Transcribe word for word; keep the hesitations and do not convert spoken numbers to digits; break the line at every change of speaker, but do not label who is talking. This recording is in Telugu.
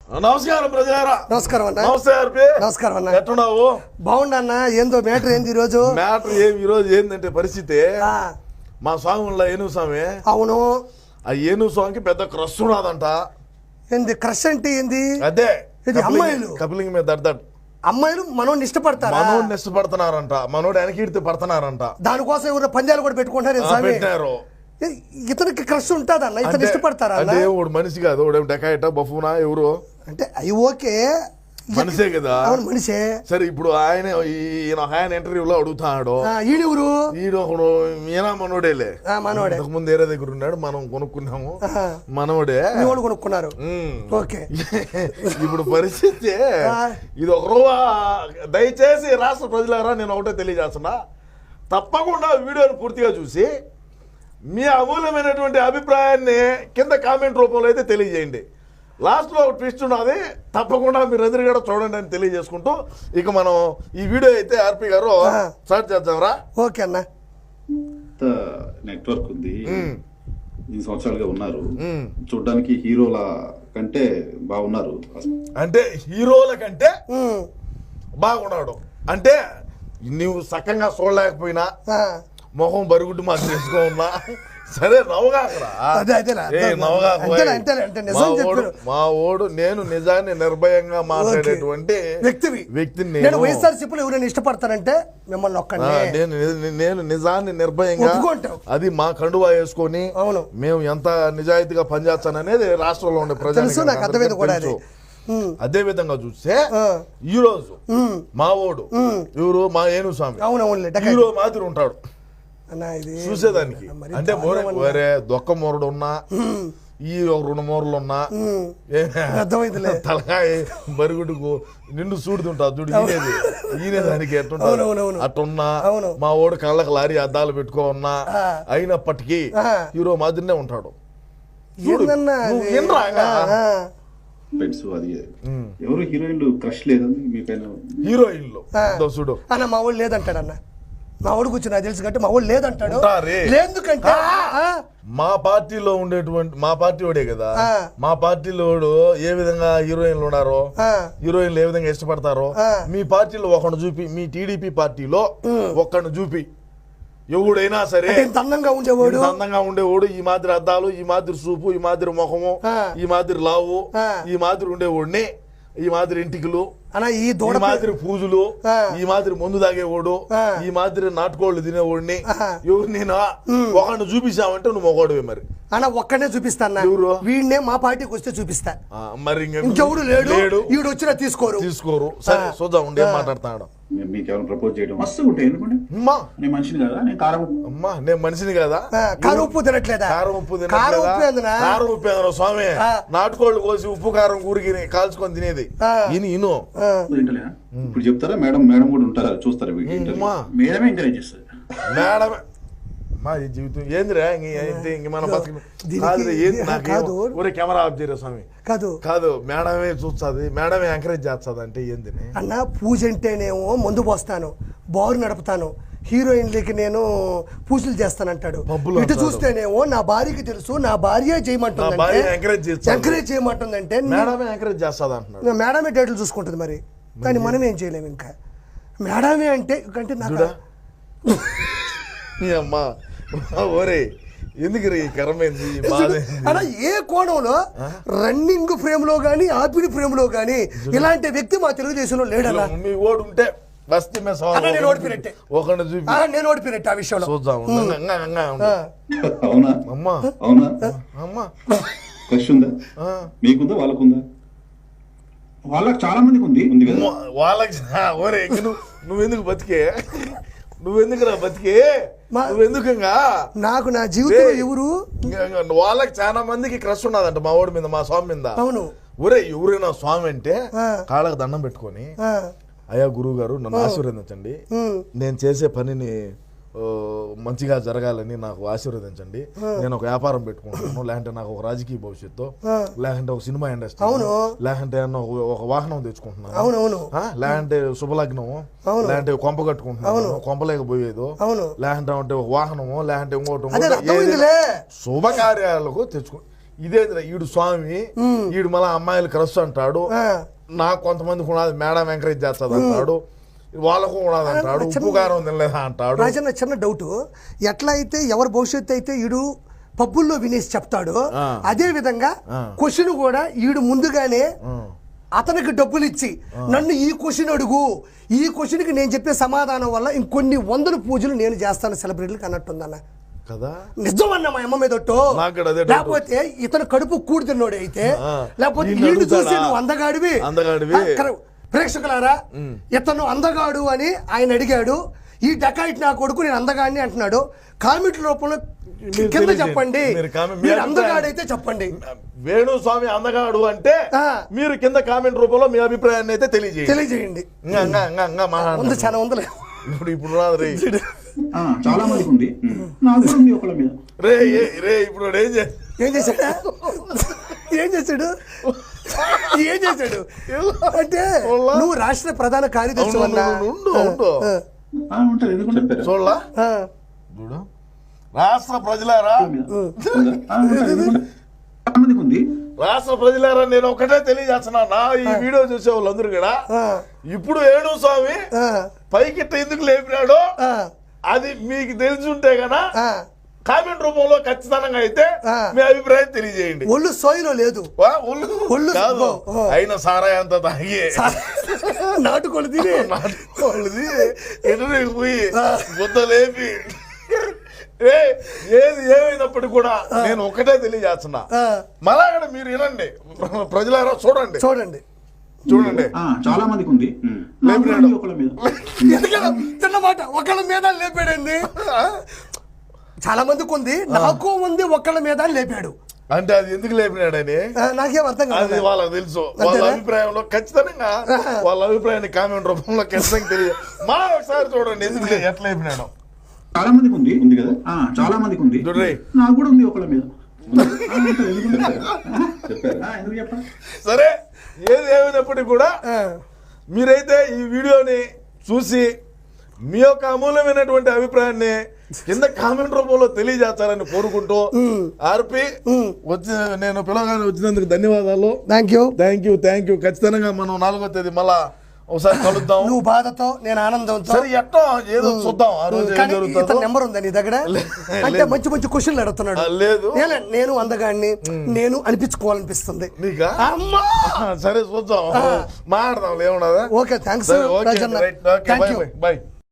నమస్కారం ప్రజలారా.
నమస్కారం అన్న.
నమస్తే ఆర్పి.
నమస్కారం అన్న.
ఎట్టున్నావు?
బాగుండా అన్న. ఏందో మ్యాటర్ ఏంది ఈ రోజు?
మ్యాటర్ ఏం ఈ రోజు ఏంటంటే పరిస్థితి, మా స్వామి ఏనుగు స్వామి.
అవును.
ఆ ఏనుగు స్వామికి పెద్ద క్రష్ ఉన్నదంట.
ఏంది క్రష్ అంటే ఏంది?
అదే
ఇది అమ్మాయిలు
కపిలింగ్ మీద దడ్దడ్
అమ్మాయిలు మనోడిని ఇష్టపడతారా?
మనోడిని ఇష్టపడుతున్నారంట, మనోడు వెనకీడితే పడుతున్నారంట.
దానికోసం ఎవరు పందాలు కూడా పెట్టుకుంటారు.
పెట్టారు.
ఇతనికి క్రష్ ఉంటుందన్న, ఇతను ఇష్టపడతారా?
అంటే వాడు మనిషి కాదు, వాడు డెకాయట బఫూనా ఎవరు
అంటే అవి ఓకే,
మనిషే కదా.
అవును మనిషే.
సరే ఇప్పుడు ఆయన ఈయన ఆయన ఇంటర్వ్యూలో అడుగుతాడు,
ఈడెవరు?
ఈడు ఒకడు ఈయన మనోడేలే.
మనోడే.
ముందు ఏరే దగ్గర ఉన్నాడు, మనం కొనుక్కున్నాము, మనోడే
కొనుక్కున్నారు. ఓకే.
ఇప్పుడు పరిస్థితి ఇది ఒక రోజు. దయచేసి రాష్ట్ర ప్రజలారా నేను ఒకటే తెలియజేస్తున్నా, తప్పకుండా వీడియోని పూర్తిగా చూసి మీ అమూల్యమైనటువంటి అభిప్రాయాన్ని కింద కామెంట్ రూపంలో అయితే తెలియజేయండి. లాస్ట్లో ఒక ట్విస్ట్ ఉన్నది, తప్పకుండా మీరు ఎదురుగా చూడండి అని తెలియజేసుకుంటూ ఇక మనం ఈ వీడియో అయితే ఆర్పి గారు స్టార్ట్ చేద్దాంరా.
ఓకే అన్న.
నెట్వర్క్ ఉంది, ఈ సంవత్సరాలుగా ఉన్నారు, చూడడానికి హీరోల కంటే బాగున్నారు.
అంటే హీరోల కంటే బాగున్నాడు అంటే నువ్వు సక్కంగా చూడలేకపోయినా, మొహం బరుగుడ్డు మాత్రం వేసుకో ఉన్నా సరే నవ్వగాకరా. మా ఓడు నేను నిజాన్ని నిర్భయంగా మాట్లాడేటువంటి
వ్యక్తివి
వ్యక్తిని.
వైఎస్ఆర్సీపీలో ఎవరైనా ఇష్టపడతారంటే మిమ్మల్ని ఒక్కడే.
నేను నేను నిజాన్ని నిర్భయంగా, అది మా కండువా వేసుకొని మేము ఎంత నిజాయితీగా పనిచేస్తాననేది రాష్ట్రంలో ఉండే ప్రజలు. అదే విధంగా చూస్తే ఈ రోజు మా ఓడు ఎవరు, మా ఏనుగు స్వామి హీరో మాదిరి ఉంటాడు చూసేదానికి. అంటే వేరే దొక్క మూరడు ఉన్నా, ఈ రెండు మూరలు ఉన్నా, తలకాయ బరుగుడుకు నిండు చూడుతుంటా చూడు, ఈనేది ఈనేదానికి ఎట్టుంటా అట్టున్నా. మా ఓడు కళ్ళకి లారీ అద్దాలు పెట్టుకో ఉన్నా, అయినప్పటికీ హీరో మాదిరినే ఉంటాడు.
ఎవరు హీరోయిన్లు క్రష్ లేదని మీపైన?
హీరోయిన్లు చూడు
అన్న మా ఊళ్ళు లేదంటాడు అన్న. మా ఊడు కూర్చొని నాకు తెలుసు కంటే మా ఊళ్ళు లేదంటాడు. ఎందుకంటే
మా పార్టీలో ఉండేటువంటి మా పార్టీ వాడే కదా, మా పార్టీలో ఏ విధంగా హీరోయిన్లు ఉన్నారో, హీరోయిన్లు ఏ విధంగా ఇష్టపడతారో, మీ పార్టీలో ఒకడు చూపి, మీ టీడీపీ పార్టీలో ఒక్కడిని చూపి, ఎవడైనా సరే
అందంగా ఉండేవాడు
అందంగా ఉండేవాడు, ఈ మాదిరి అద్దాలు, ఈ మాదిరి సూపు, ఈ మాదిరి ముఖము, ఈ మాదిరి లావు, ఈ మాదిరి ఉండేవాడిని, ఈ మాదిరి ఇంటికలు, ఈ మాదిరి పూజలు, ఈ మాదిరి మందు తాగేవాడు, ఈ మాదిరి నాటుకోళ్ళు తినేవాడిని ఎవరు నేను ఒకడిని చూపించావంటే నువ్వు మొగోడువే. మరి
అన్న ఒక్కడే చూపిస్తాను, వీడినే మా పార్టీకి వస్తే చూపిస్తా.
మరి
ఇంకెవడు లేడు, వీడు వచ్చినా తీసుకోరు
తీసుకోరు సరే చూద్దాం ఉండే మాట్లాడతాడు.
మీకేమైనా ప్రపోజ్ చేయడం మస్తు ఉంటాయి ఎందుకంటే నేను మనిషిని కదా, నేను కారం
అమ్మా నేను మనిషిని కదా,
కారం ఉప్పు తినట్లేదా?
కారం ఉప్పు తినట్లేదా? కారం ఉప్పు ఏదన్నా స్వామి, నాటుకోళ్ళు కోసి ఉప్పు కారం కూరికి కాల్చుకొని తినేది ఇని ఇను.
ఇప్పుడు చెప్తారా మేడం? మేడం కూడా ఉంటారా, చూస్తారా? మేడమే ఎంకరేజ్ చేస్తారు.
మేడమే మా జీవితం ఏందిరా ఇంక మన బతుకు కాదు. ఏంది నాకు ఊరే కెమెరా ఆఫ్ చేయరా స్వామి?
కాదు
కాదు మేడమే చూస్తుంది, మేడమే ఎంకరేజ్ చేస్తుంది. అంటే ఏంది
అన్న? పూజ అంటేనేమో మందు పోస్తాను, బారు నడుపుతాను, హీరోయిన్లకి నేను పూజలు చేస్తానంటాడు. ఇటు చూస్తేనేమో నా భార్యకి తెలుసు, నా భార్య చేయమంటుంది, ఎంకరేజ్ చేయమంటుందంటే
మేడమే ఎంకరేజ్ చేస్తుంది అంటున్నాడు.
మేడమే డేట్లు చూసుకుంటుంది. మరి కానీ మనం ఏం చేయలేము. ఇంకా మేడమే అంటే అంటే నాకు
అమ్మా ఓరే ఎందుకు ఈ కరమైంది
అలా ఏ కోణంలో రన్నింగ్ ఫ్రేమ్ లో గానీ ఆపిడి ఫ్రేమ్ లో గానీ ఇలాంటి వ్యక్తి మా తెలుగుదేశంలో లేడలా.
మీ ఓటు ఉంటే బస్తీ
నేను ఓడిపోయినట్టే, నేను ఓడిపోయినట్టు ఆ విషయంలో.
అవునా
అమ్మా?
అవునా
అమ్మా?
క్రష్ ఉందా మీకుందా? వాళ్ళకుందా? వాళ్ళకి చాలా మందికి ఉంది ఉంది కదా.
వాళ్ళకి ఓరే నువ్వెందుకు బతికే, నువ్వెందుకు రా బతికే, నువ్వెందుకంగా?
నాకు నా జీవితంలో ఎవరు
వాళ్ళకి చాలా మందికి క్రష్ ఉన్నదంట మా ఓడి మీద, మా స్వామి మీద.
అవును.
ఒరే ఎవరైనా స్వామి అంటే కాళ్ళకు దండం పెట్టుకొని, అయ్యా గురువు గారు నన్ను ఆశీర్వదించండి, నేను చేసే పనిని మంచిగా జరగాలని నాకు ఆశీర్వదించండి, నేను ఒక వ్యాపారం పెట్టుకుంటున్నాను, లేదంటే నాకు ఒక రాజకీయ భవిష్యత్తు, లేదంటే ఒక సినిమా ఇండస్ట్రీ, లేదంటే ఒక వాహనం తెచ్చుకుంటున్నాను, లేదంటే శుభలగ్నము, లేదంటే కొంప కట్టుకుంటున్నాను, కొంపలేకపోయేదో, లేదంటే అంటే ఒక వాహనము, లేదంటే ఇంకోటి శుభకార్యాలకు తెచ్చుకో. ఇదే ఈడు స్వామి ఈడు మళ్ళీ అమ్మాయిలు క్రష్ అంటాడు, నాకు కొంతమందికి ఉన్నది మేడం ఎంకరేజ్ చేస్తుంది అంటాడు, వాళ్ళకు ఉన్నది అంటాడు, ఉప్పు కారం తినలేదా అంటాడు.
రాజన్న చిన్న డౌట్, ఎట్లా అయితే ఎవరి భవిష్యత్తు అయితే ఈడు పబ్బుల్లో వినేసి చెప్తాడు, అదే విధంగా క్వశ్చన్ కూడా ఈడు ముందుగానే అతనికి డబ్బులు ఇచ్చి నన్ను ఈ క్వశ్చన్ అడుగు, ఈ క్వశ్చన్కి నేను చెప్పే సమాధానం వల్ల ఇంకొన్ని వందల పూజలు నేను చేస్తాను సెలబ్రిటీలకు అన్నట్టుందన్న
కదా.
నిజం అన్న మా అమ్మ మీదొట్టు. లేకపోతే ఇతను కడుపు కూడి తిన్నోడు అయితే, లేకపోతే వీళ్ళు చూసి నువ్వు అందగాడివి
అందగాడివి
ప్రేక్షకులారా ఇతను అందగాడు అని ఆయన అడిగాడు, ఈ డకాయిట్ నా కొడుకు నేను అందగాడిని అంటున్నాడు. కామెంట్ రూపంలో కింద చెప్పండి, మీరు అందగాడైతే చెప్పండి.
వేణుస్వామి అందగాడు అంటే మీరు కింద కామెంట్ రూపంలో మీ అభిప్రాయాన్ని అయితే తెలియజేయండి
తెలియజేయండి ఉంది చాలా ఉందిలే.
ఇప్పుడు ఇప్పుడు
చాలా మందికి ఉంది, నాకు కూడా ఉంది ఒకళ్ళ మీద.
రే రే ఇప్పుడు ఏం
ఏం చేశాడు ఏం చేశాడు ఏం చేశాడు అంటే నువ్వు రాష్ట్ర ప్రధాన కార్యదర్శి
చూడలా చూడు రాష్ట్ర ప్రజలారా
ఉంది
రాష్ట్ర ప్రజలారా నేను ఒకటే తెలియజేస్తున్నా, నా ఈ వీడియో చూసే వాళ్ళందరూ కూడా ఇప్పుడు వేణుస్వామి పైకి ఎందుకు లేపినాడో అది మీకు తెలిసి ఉంటే గనా కామెంట్ రూపంలో ఖచ్చితంగా అయితే మీ అభిప్రాయం తెలియజేయండి.
ఒళ్ళు సోయిలో లేదు,
ఒళ్ళు కాదు అయిన సారాయి అంత తాగి
నాటుకోళ్ళు తిని
నాటుకోళ్ళు ఎటు పోయి బుద్ధ లేపి ఏది ఏమైనప్పటికీ కూడా నేను ఒకటే తెలియజేస్తున్నా, మళ్ళా మీరు వినండి ప్రజలారా, చూడండి
చూడండి
చూడండి
చాలా మందికి ఉంది.
చిన్నమాట ఒకళ్ళ మీద లేపాడండి, చాలా మందికి ఉంది, నాకు ఉంది ఒకళ్ళ మీద లేపాడు
అంటే అది ఎందుకు లేపినాడని
నాకేం అర్థం కాదు.
వాళ్ళకి తెలుసు, వాళ్ళ అభిప్రాయంలో ఖచ్చితంగా వాళ్ళ అభిప్రాయాన్ని కామెంట్ రూపంలో ఖచ్చితంగా తెలియదు. మా ఒకసారి చూడండి ఎందుకు ఎట్లా లేపినాడు.
చాలా మందికి ఉంది ఉంది కదా, చాలా మందికి ఉంది, నాకు కూడా ఉంది ఒకళ్ళ మీద.
సరే ఏది ఏమైనప్పటికీ కూడా మీరైతే ఈ వీడియోని చూసి మీ యొక్క అమూల్యమైనటువంటి అభిప్రాయాన్ని కింద కామెంట్ రూపంలో తెలియజేస్తారని కోరుకుంటూ ఆర్పి వచ్చి నేను పిలవగానే వచ్చినందుకు ధన్యవాదాలు.
Thank you
thank you thank you ఖచ్చితంగా మనం నాలుగో తేదీ మళ్ళా ఒకసారి కలుద్దాం.
నువ్వు బాధతో నేను ఆనందంతో
సరే ఎట్టో ఏదో చూద్దాం. ఆ రోజు ఏం జరుగుతుందో.
నెంబర్ ఉందా నీ దగ్గర? అంటే మంచి మంచి క్వశ్చన్లు అడుగుతున్నాడు.
లేదు
నేను అందగాడిని నేను అనిపించుకోవాలనిపిస్తుంది.
నీకా? సరే చూద్దాం, మాట్లాడదాం. ఏమన్నా?
Okay thanks.
బై.